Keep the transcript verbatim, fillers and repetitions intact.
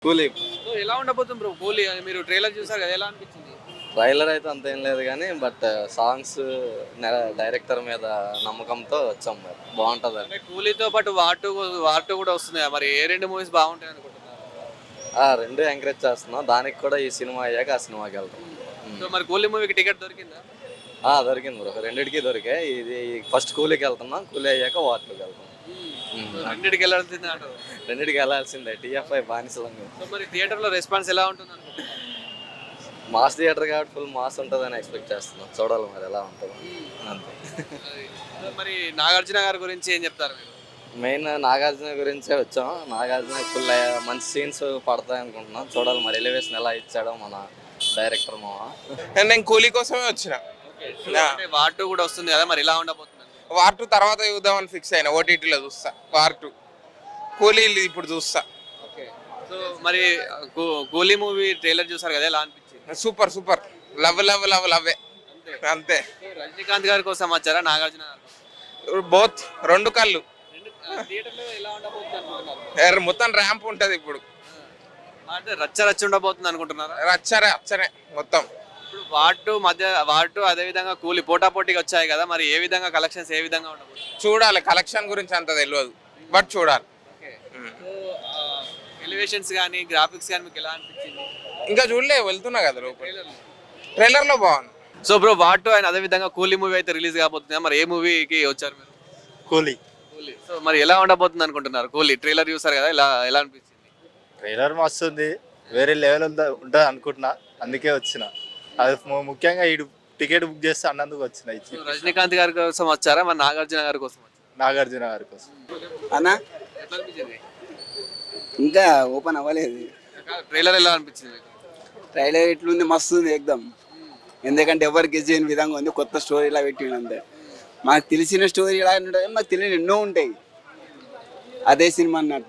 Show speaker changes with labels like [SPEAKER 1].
[SPEAKER 1] కూలీ.
[SPEAKER 2] సో ఎలా ఉండబోతుంది బ్రో కూలీ అని మీరు ట్రైలర్ చూసారు కదా, ఎలా అనిపించింది?
[SPEAKER 1] ట్రైలర్ అయితే అంత ఏం లేదు కానీ బట్ సాంగ్స్ డైరెక్టర్ మీద నమ్మకంతో వచ్చాం మరి బాగుంటుంది
[SPEAKER 2] అంటే కూలీతో పాటు వాటు వాటు కూడా వస్తుంది కదా, మరి ఏ రెండు మూవీస్ బాగుంటాయి అనుకుంటున్నారు?
[SPEAKER 1] ఆ రెండు ఎంకరేజ్ చేస్తున్నాం, దానికి కూడా ఈ సినిమా అయ్యాక ఆ సినిమాకి వెళ్తాం.
[SPEAKER 2] సో మరి కూలీ మూవీకి టికెట్ దొరికిందా?
[SPEAKER 1] ఆ దొరికింది బ్రో, రెండింటికి దొరికాయి. ఇది ఫస్ట్ కూలీకి వెళ్తున్నాం, కూలీ అయ్యాక వాటికి వెళ్తాం.
[SPEAKER 2] రెండింటికి వెళ్ళాల్సిందే అంటారు.
[SPEAKER 1] రెండింటికి వెళ్ళాల్సిందే, టీఎఫ్ఐ బానిసలంగా.
[SPEAKER 2] సో మరి థియేటర్లో రెస్పాన్స్ ఎలా ఉంటుంది అనుకుంటున్నారు?
[SPEAKER 1] మాస్ థియేటర్ కాబట్టి ఫుల్ మాస్ ఉంటుందని ఎక్స్పెక్ట్ చేస్తున్నాం, చూడాలి మరి ఎలా ఉంటుందో అంతే.
[SPEAKER 2] సో మరి నాగార్జున గారి గురించి ఏం చెప్తారు మీరు?
[SPEAKER 1] మెయిన్ నాగార్జున గురించే వచ్చాం. నాగార్జున ఫుల్ మంచి సీన్స్ పడతాయి అనుకుంటున్నాం, చూడాలి మరి ఎలివేషన్ ఎలా ఇచ్చాడో మన డైరెక్టర్ మామ.
[SPEAKER 3] నేను కూలీ కోసమే వచ్చిన.
[SPEAKER 2] అంటే వార్ టూ కూడా వస్తుంది కదా, మరి ఎలా ఉండబోతుంది?
[SPEAKER 3] వార్ టూ తర్వాత చూద్దామని ఫిక్స్ అయినా, ఓటీటీలో చూస్తా వార్ టూ. కూలీ ఇప్పుడు చూస్తా.
[SPEAKER 2] సో మరి కూ- కూలీ మూవీ ట్రైలర్ చూసారు కదా, ఎలా అనిపించింది?
[SPEAKER 3] Super super, love love love లవ్వే అంతే.
[SPEAKER 2] సో రజనీకాంత్ గారి కోసం వచ్చారా, నాగార్జున గారి కోసం?
[SPEAKER 3] బోత్, రెండు కళ్ళు.
[SPEAKER 2] థియేటర్లో ఎలా ఉండబోతుంది అనుకుంటున్నారు?
[SPEAKER 3] ఎర్ర మొత్తం ర్యాంప్ ఉంటది ఇప్పుడు.
[SPEAKER 2] అంటే రచ్చ రచ్చ ఉండబోతుంది అనుకుంటున్నారా?
[SPEAKER 3] రచ్చరే అచ్చనే మొత్తం.
[SPEAKER 2] ఇప్పుడు వాటు మధ్య వాటు అదే విధంగా కూలి పోటా పోటీకి వచ్చాయి కదా, మరి ఏ విధంగా కలెక్షన్స్ ఏ విధంగా ఉండబోతుంది?
[SPEAKER 3] చూడాలి, కలెక్షన్ గురించి అంత తెలియదు బట్ చూడాలి.
[SPEAKER 2] ఎలివేషన్స్ కానీ గ్రాఫిక్స్ కానీ మీకు ఎలా అనిపించింది?
[SPEAKER 3] ఇంకా చూడలే, వెళ్తున్నా కదా లోపల. ట్రైలర్ లో బాగుంది.
[SPEAKER 2] సో బ్రో వాటు అండ్ అదే విధంగా కూలీ మూవీ అయితే రిలీజ్ కాబోతుంది, మరి ఏ మూవీకి వచ్చారు మీరు?
[SPEAKER 4] కూలీ.
[SPEAKER 2] కూలీ. సో మరి ఎలా ఉండబోతుంది అనుకుంటున్నారు? కూలీ ట్రైలర్ చూసారు కదా, ఎలా ఎలా అనిపించింది?
[SPEAKER 4] ట్రైలర్ మస్తుంది, వేరే లెవెల్ ఉంటుంది అనుకుంటున్నా, అందుకే వచ్చిన. అది ము- ముఖ్యంగా ఈ టికెట్ బుక్ చేస్తే అన్నందుకు వచ్చిన. ఇచ్చి
[SPEAKER 2] సో రజనీకాంత్ గారి కోసం వచ్చారా, మరి నాగార్జున గారి కోసం వచ్చారా?
[SPEAKER 4] నాగార్జున గారి కోసం.
[SPEAKER 5] అన్నా
[SPEAKER 2] ఎట్లా అనిపించింది?
[SPEAKER 5] ఇంకా ఓపెన్ అవ్వలేదు.
[SPEAKER 2] ట్రైలర్ ఎలా అనిపించింది మీకు?
[SPEAKER 5] ట్రైలర్ ఎట్లుంది, మస్తు ఉంది ఎక్దమ్. ఎందుకంటే ఎవరికి చేయని విధంగా ఉంది, కొత్త స్టోరీ ఇలా పెట్టిండు అంతే. మాకు తెలిసిన స్టోరీ ఇలా ఉంటుంది, మాకు తెలియని ఎన్నో ఉంటాయి. అదే సినిమా అన్నట్టు.